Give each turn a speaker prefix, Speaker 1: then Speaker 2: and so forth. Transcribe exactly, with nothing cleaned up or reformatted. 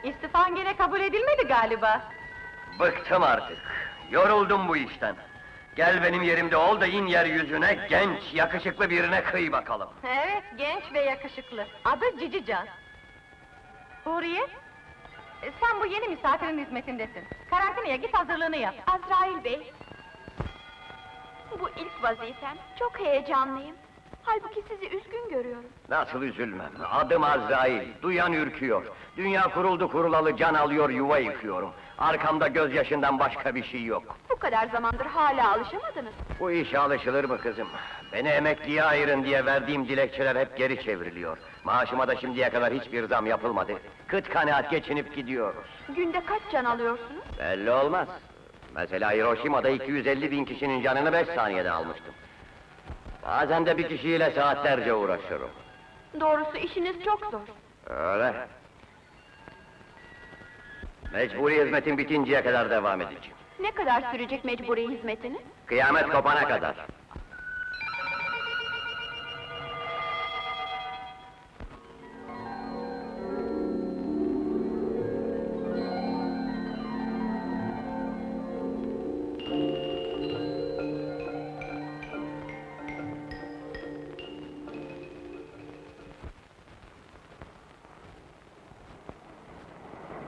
Speaker 1: İstifan gene kabul edilmedi galiba.
Speaker 2: Bıktım artık, yoruldum bu işten. Gel benim yerimde ol da in yeryüzüne, genç, yakışıklı birine kıy bakalım.
Speaker 1: Evet, genç ve yakışıklı. Adı Cicican. Huriye, e, sen bu yeni misafirin hizmetindesin. Karantinaya git, hazırlığını yap.
Speaker 3: Azrail Bey! Bu ilk vazifem, çok heyecanlıyım. Halbuki sizi üzgün görüyorum.
Speaker 2: Nasıl üzülmem, adım Azrail, duyan ürküyor. Dünya kuruldu kurulalı can alıyor, yuva yıkıyorum. Arkamda gözyaşından başka bir şey yok.
Speaker 3: Bu kadar zamandır hala alışamadınız.
Speaker 2: Bu işe alışılır mı kızım? Beni emekliye ayırın diye verdiğim dilekçeler hep geri çevriliyor. Maaşıma da şimdiye kadar hiçbir zam yapılmadı. Kıt kanaat geçinip gidiyoruz.
Speaker 3: Günde kaç can alıyorsunuz?
Speaker 2: Belli olmaz. Mesela Hiroşima'da iki yüz elli bin kişinin canını beş saniyede almıştım. Bazen de bir kişiyle saatlerce uğraşırım.
Speaker 3: Doğrusu işiniz çok zor.
Speaker 2: Öyle. Mecburi hizmetin bitinceye kadar devam edeceğim.
Speaker 3: Ne kadar sürecek mecburi hizmetiniz?
Speaker 2: Kıyamet kopana kadar.